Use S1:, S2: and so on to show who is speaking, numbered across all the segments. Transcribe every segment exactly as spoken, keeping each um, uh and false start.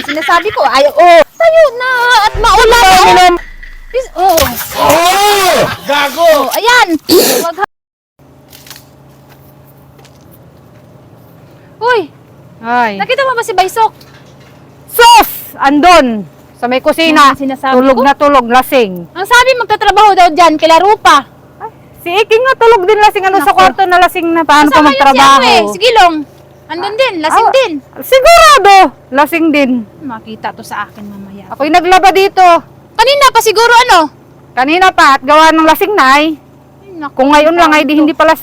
S1: sinasabi ko. Ay, oh. Tayo na at maulan. Oh.
S2: Oh! Gago!
S1: Oh, ayan. Wag ha- Uy,
S3: Ay.
S1: nakita mo ba si Baysok?
S3: Sus! Andon! Sa may kusina.
S1: Ano sinasabi
S3: Tulog
S1: ko?
S3: na tulog, lasing.
S1: Ang sabi magtatrabaho daw dyan, kila Rupa.
S3: Si Iking nga tulog din lasing. Ano sa
S1: Naku.
S3: kwarto na lasing na paano pa
S1: Kasama yun
S3: magtrabaho?
S1: Si, ano, eh, si Gilong. Andun din, lasing
S3: Ah.
S1: din.
S3: Sigurado! Lasing din.
S1: Makita to sa akin mamaya.
S3: Ako'y naglaba dito.
S1: Kanina pa siguro ano?
S3: Kanina pa at gawa ng lasing na ay.
S1: Ay, naku,
S3: Kung ngayon lang ay di
S1: ito.
S3: hindi pala.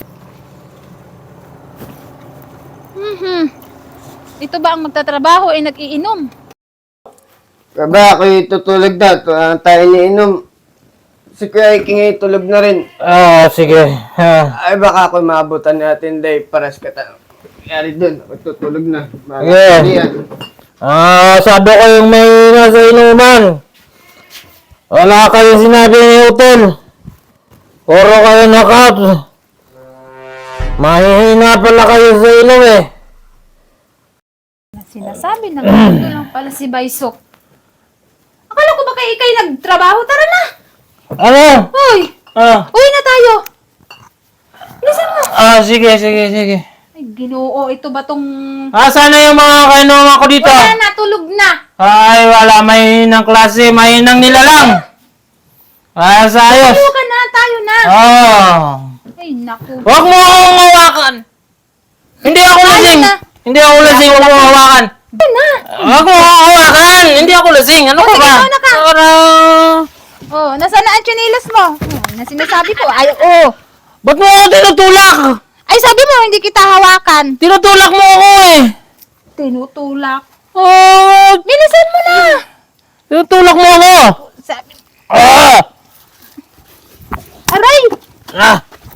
S1: Mhm. Ito ba ang magtatrabaho ay nag-iinom?
S4: Kaba, ako'y tutulog na. Tu- ah, tayo niinom. Si Kuya Iking ay tulog na rin.
S2: Ah, sige. Ah.
S4: Ay, baka ako'y maabutan natin, day. Paras ka ta. Yari dun. Ako'y tutulog na. Mga
S2: Yeah.
S4: kaibigan.
S2: Ah, sabi ko yung may nasa inuman. Wala kayo sinabi ni hotel. Puro kayo knockout. Mahihina pala kayo sa inom eh.
S1: Sinasabi na ganito lang pala si Baysok. Akala ko ba kayo ikay nagtrabaho? Tara na!
S2: Ano?
S1: Uy!
S2: Ah,
S1: Uwi na tayo! Bilisan mo!
S2: ah sige, sige, sige.
S1: Ay, Ginoo, ito ba tong...
S2: Ah, sana yung mga kainuman ko dito?
S1: Wala na, tulog na!
S2: Ay, wala. Mahinang klase. Mahinang nilalang. Ah, sa ayos.
S1: Tayo ka na, tayo na!
S2: Oh.
S1: Ay, naku.
S2: Huwag mo akong hawakan. Hindi ako lasing.
S1: na.
S2: Hindi ako lasing. Huwag mo akong hawakan.
S1: Tayo na!
S2: Huwag mo akong hawakan. Hindi ako lasing. Ano ka
S1: sige,
S2: ba?
S1: mauna ka.
S2: Para...
S1: Oh, nasaan na ang chinilas mo? Oh, na sinasabi ko, ay, oh!
S2: Ba't mo ako tinutulak?
S1: Ay, sabi mo, hindi kita hawakan.
S2: Tinutulak mo ako eh.
S1: Tinutulak.
S2: Oh,
S1: Bilisan mo na!
S2: tinutulak mo ako.
S1: Sabi...
S2: Ah!
S1: Aray!
S2: Ah!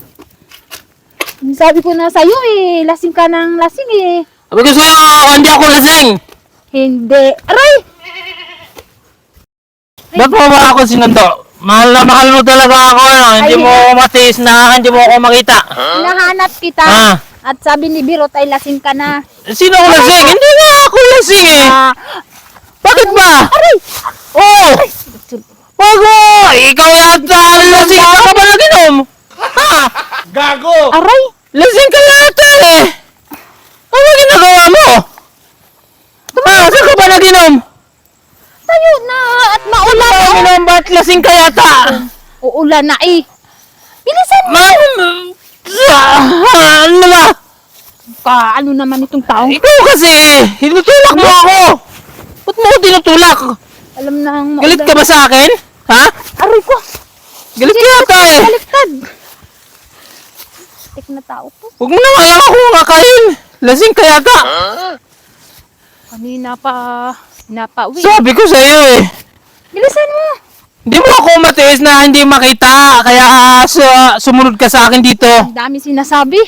S1: Sabi ko na sa'yo eh, lasing ka ng lasing eh.
S2: Sabi ko sa'yo, hindi ako lasing.
S1: Hindi. Aray!
S2: Ba't mo ba ako sinundo? Mahal na mahal mo talaga ako. Ano? Hindi
S1: Ay,
S2: mo ako matiis na, hindi mo ako makita.
S1: Hinahanap kita.
S2: Ah.
S1: At sabi ni Birot ay lasing ka na.
S2: Sino ako lasing? Hindi nga ako lasing eh.
S1: Ah,
S2: Bakit ba?
S1: aray!
S2: Oh! Wag mo! Ikaw yata ang lasing. Ikaw ka ba nag-inom? Ha?
S4: Gago!
S1: Aray!
S2: Lasing ka yata eh. Ano ginagawa mo? Ha? Saan ka ba nag-inom?
S1: Tayo na at maulan na.
S2: Uminom ba't lasing ka yata?
S1: Uulan na eh. Bilisan mo!
S2: Ma... Ah, ano ba?
S1: Ka, ano naman itong taong?
S2: Ikaw kasi, tinutulak mo ako. Ba't mo ako tinutulak?
S1: Alam na ang maulan.
S2: Galit ka ba sa akin? Ha?
S1: Aray ko!
S2: Galit ka yata eh.
S1: Baliktad! Tik na tao to.
S2: Huwag mo na kaya ako makakain. Lasing ka yata.
S1: Kanina pa, napauwi.
S2: Sabi ko sa'yo eh.
S1: Bilisan mo!
S2: Hindi mo ako matiis na hindi makita. Kaya su- sumunod ka sa akin dito.
S1: Ang dami sinasabi.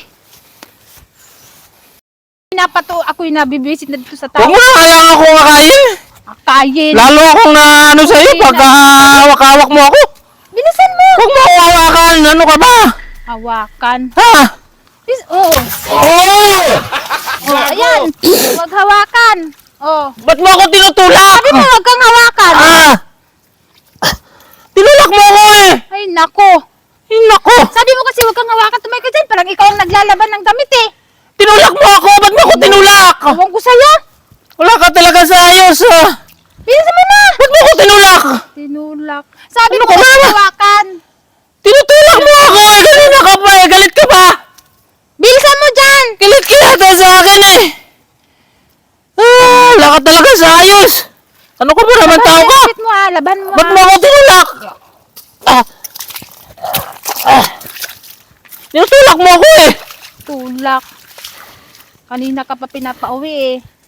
S1: Pinapato, ako'y nabibisit na dito sa tao.
S2: Huwag mo na kaya ako makain.
S1: Akayin.
S2: Lalo akong na ano sa'yo pag hawak-hawak mo ako.
S1: Bilisan mo!
S2: Huwag mo ako hawakan. Ano ka ba?
S1: Hawakan.
S2: Ha?
S1: Bis Oo.
S2: Oh!
S1: Oh, ayan. Huwag hawakan. Oh.
S2: Ba't mo ako tinutulak?
S1: Sabi mo, huwag kang hawakan.
S2: Ah! Tinulak mo ako eh!
S1: Ay, nako.
S2: Ay, nako!
S1: Sabi mo kasi huwag kang hawakan. Tumay ka dyan. Parang ikaw ang naglalaban ng damit eh.
S2: Tinulak mo ako! Ba't mo ako tinulak?
S1: Ewan ko sa'yo.
S2: Wala ka talaga sa ayos ah!
S1: Bilisan mo na.
S2: Ba't mo ako tinulak?
S1: Tinulak. Sabi
S2: Ano
S1: mo
S2: ka
S1: huwag
S2: ba?
S1: kang hawakan.
S2: Tinutulak mo ako eh! Kanina ka pa eh! Galit ka ba?
S1: Bilisan mo dyan.
S2: Galit ka yata sa akin eh! Ah! Wala ka talaga sa ayos! Ano ka ba naman tao ka?
S1: Laban mo ah. Laban mo
S2: Ba't
S1: ah.
S2: mo ako tinulak? Ah! Ah! Tinutulak mo ako eh!
S1: Tulak. Kanina ka pa pinapauwi eh.